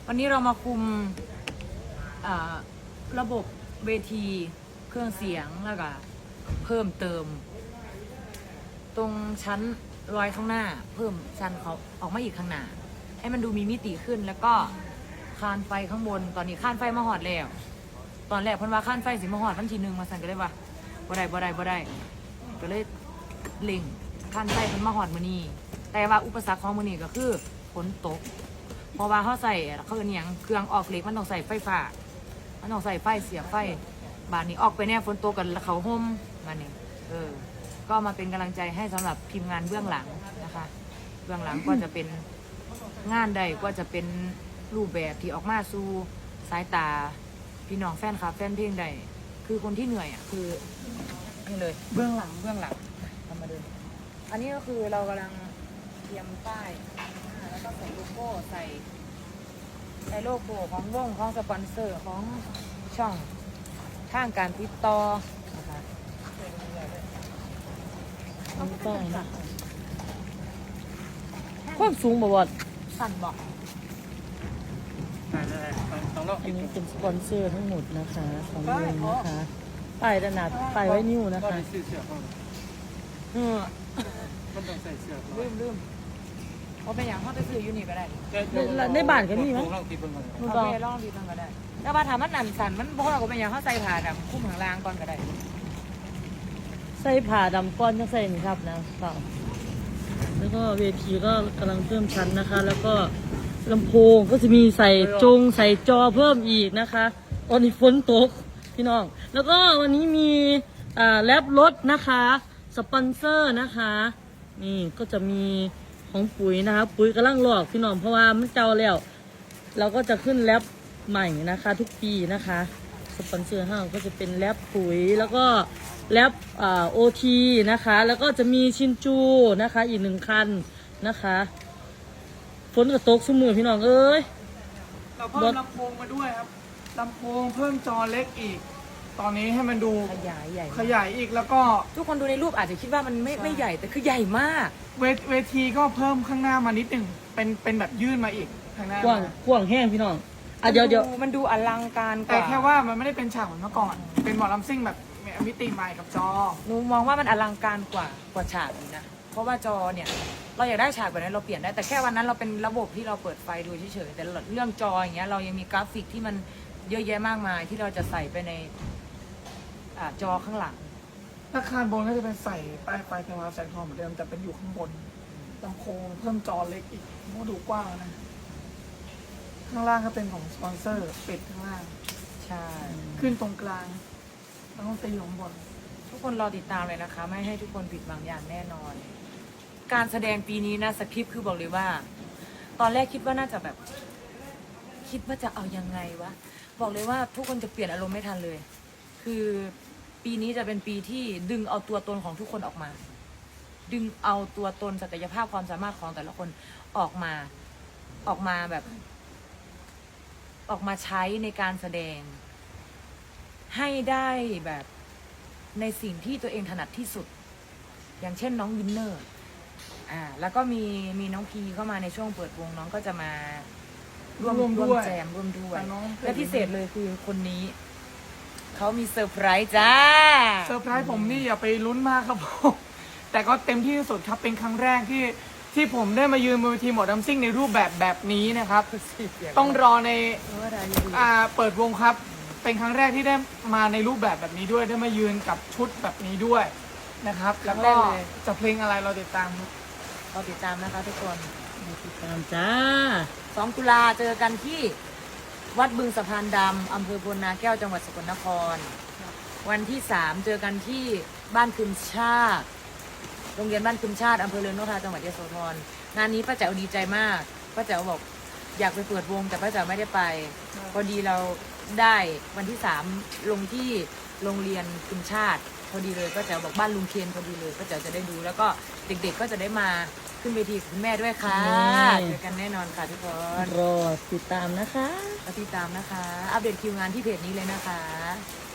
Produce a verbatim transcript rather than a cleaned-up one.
วันนี้เรามาคุมระบบเวทีเครื่องเสียงแล้วก็เพิ่มเติม ตรงชั้นรอยข้างหน้าเพิ่มชั้นเขาออกมาอีกข้างหน้าให้มันดูมีมิติขึ้นแล้วก็คานไฟข้างบนตอนนี้คานไฟมาหอดแล้วตอนแรกเพิ่นว่าคานไฟสิมาหอดวันที่หนึ่งมาสั่นก็เลยว่าบ่ได้บ่ได้บ่ได้ก็เลยเล็งคานไฟเพิ่นมาหอดมื้อนี้แต่ว่าอุปสรรคของมื้อนี้ก็คือฝนตกเพราะว่าเขาใส่เขาเรียกหยังเครื่องออกเหล็กมันต้องใส่ไฟฟ้ามันต้องใส่ไฟเสียบไฟบานนี้ออกไปแน่ฝนตกกันเขาห่มมานี่เออก็มาเป็นกำลังใจให้สำหรับทีมงานเบื้องหลังนะคะเบื้องหลังก็จะเป็นงานใดก็จะเป็นรูปแบบที่ออกมาสู่สายตาพี่น้องแฟนคลับแฟนเพลงใดคือคนที่เหนื่อยอ่ะคือนี่เลยเบื้องหลังเบื้องหลังทำมาเดินอันนี้ก็คือเรากำลังเตรียมป้ายแล้วก็ใส่โลโก้ใส่ใส่โลโก้ของวงของสปอนเซอร์ของช่องทางการติดต่อนะคะป้ายนะความสูงบ่บ่สั่นบอกอันนี้เป็นสปอนเซอร์ทั้งหมดนะคะของวงนะคะป้ายระนาดป้ายไว้นิ้วนะคะเออมันต้องใส่เสื้อลืมลืมเอาไปอย่างเขาไปซื้อยูนิก็ได้ในบ้านก็มีมั้ยโอเคลองดีตั้งก็ได้แต่ว่าถามมันนั่นสั่นมันพวกเราก็เป็นอย่างเขาใส่ผ้าดำคุ้มข้างล่างก่อนก็ได้ใส่ผ้าดำก้อนจะใส่นี่ครับนะเปล่าแล้วก็เวทีก็กำลังเพิ่มชั้นนะคะแล้วก็ลำโพงก็จะมีใส่จงใส่จอเพิ่มอีกนะคะตอนนี้ฝนตกพี่น้องแล้วก็วันนี้มีอ่าแรปรถนะคะสปอนเซอร์นะคะนี่ก็จะมีของปุ๋ยนะคะปุ๋ยกำลังหลอกพี่น้องเพราะว่ามันเจ้าแล้วเราก็จะขึ้นแรปใหม่นะคะทุกปีนะคะสปอนเซอร์ห้างก็จะเป็นแรปปุ๋ยแล้วก็แรปอ่าโอทีนะคะแล้วก็จะมีชินจูนะคะอีกหนึ่งคันนะคะฝนกระตกสมือพี่น้องเอ้ยเราเพิ่มลำโพงมาด้วยครับลำโพงเพิ่มจอเล็กอีกตอนนี้ให้มันดูขยายใหญ่ขยายอีกแล้วก็ทุกคนดูในรูปอาจจะคิดว่ามันไม่ไม่ใหญ่แต่คือใหญ่มากเวเวทีก็เพิ่มข้างหน้ามานิดหนึ่งเป็นเป็นแบบยื่นมาอีกข้างหน้ากว้างกว้างแห้งพี่น้องอ่ะเดี๋ยวเดี๋ยวมันดูอลังการกว่าแต่แค่ว่ามันไม่ได้เป็นฉากเหมือนเมื่อก่อนเป็นหมอลำซิ่งแบบมิติใหม่กับจอหนูมองว่ามันอลังการกว่ากว่าฉากนี้นะเพราะว่าจอเนี่ยเราอยากได้ฉากแบบนั้นเราเปลี่ยนได้แต่แค่วันนั้นเราเป็นระบบที่เราเปิดไฟดูเฉยๆแต่เรื่องจออย่างเงี้ยเรายังมีกราฟิกที่มันเยอะแยะมากมายที่เราจะใส่ไปในจอข้างหลังอาคารบนก็จะเป็นใส่ป้ายไฟเป็นวาล์วแสงทองเหมือนเดิมแต่เป็นอยู่ข้างบนลำโพงเพิ่มจอเล็กอีกโมดูกว้างนะข้างล่างก็เป็นของสปอนเซอร์ปิดข้างล่างใช่ขึ้นตรงกลางแล้วก็ตีอยู่ข้างบนทุกคนรอติดตามเลยนะคะไม่ให้ทุกคนผิดหวังอย่างแน่นอนการแสดงปีนี้นะสคริปต์คือบอกเลยว่าตอนแรกคิดว่าน่าจะแบบคิดว่าจะเอายังไงวะบอกเลยว่าทุกคนจะเปลี่ยนอารมณ์ไม่ทันเลยคือปีนี้จะเป็นปีที่ดึงเอาตัวตนของทุกคนออกมาดึงเอาตัวตนศักยภาพความสามารถของแต่ละคนออกมาออกมาแบบออกมาใช้ในการแสดงให้ได้แบบในสิ่งที่ตัวเองถนัดที่สุดอย่างเช่นน้องวินเนอร์อ่าแล้วก็มีมีน้องพีเข้ามาในช่วงเปิดวงน้องก็จะมาร่วมร่วมแจมร่วมด้วยและพิเศษเลยคือคนนี้เขามีเซอร์ไพรส์จ้าเซอร์ไพรส์ผมนี่อย่าไปลุ้นมากครับผมแต่ก็เต็มที่ที่สุดครับเป็นครั้งแรกที่ที่ผมได้มายืนบนเวทีหมอลำซิ่งในรูปแบบแบบนี้นะครับต้องรอในอ่าเปิดวงครับเป็นครั้งแรกที่ได้มาในรูปแบบแบบนี้ด้วยได้มายืนกับชุดแบบนี้ด้วยนะครับแล้วก็จะเพลงอะไรเราติดตามเราติดตามนะคะทุกคนติดตามจ้าสองตุลาเจอกันที่วัดบึงสะพานดำอำเภอพลนาแก้วจังหวัดสกลนครวันที่สามเจอกันที่บ้านคืนชาติโรงเรียนบ้านคืนชาติอำเภอเรือนนกทาจังหวัดยโสธรงานนี้ป้าแจ๋วดีใจมากป้าแจ๋วบอกอยากไปเปิดวงแต่ป้าแจ๋วไม่ได้ไปพอดีเราได้วันที่สามลงที่โรงเรียนคืนชาติพอดีเลยป้าแจ๋วบอกบ้านลุงเคนพอดีเลยป้าแจ๋วจะได้ดูแล้วก็เด็กๆก็จะได้มาขึ้นเวทีคุณแม่ด้วยค่ะเจอกันแน่นอนค่ะทุกคนรอติดตามนะคะติดตามนะคะอัปเดตคิวงานที่เพจนี้เลยนะคะ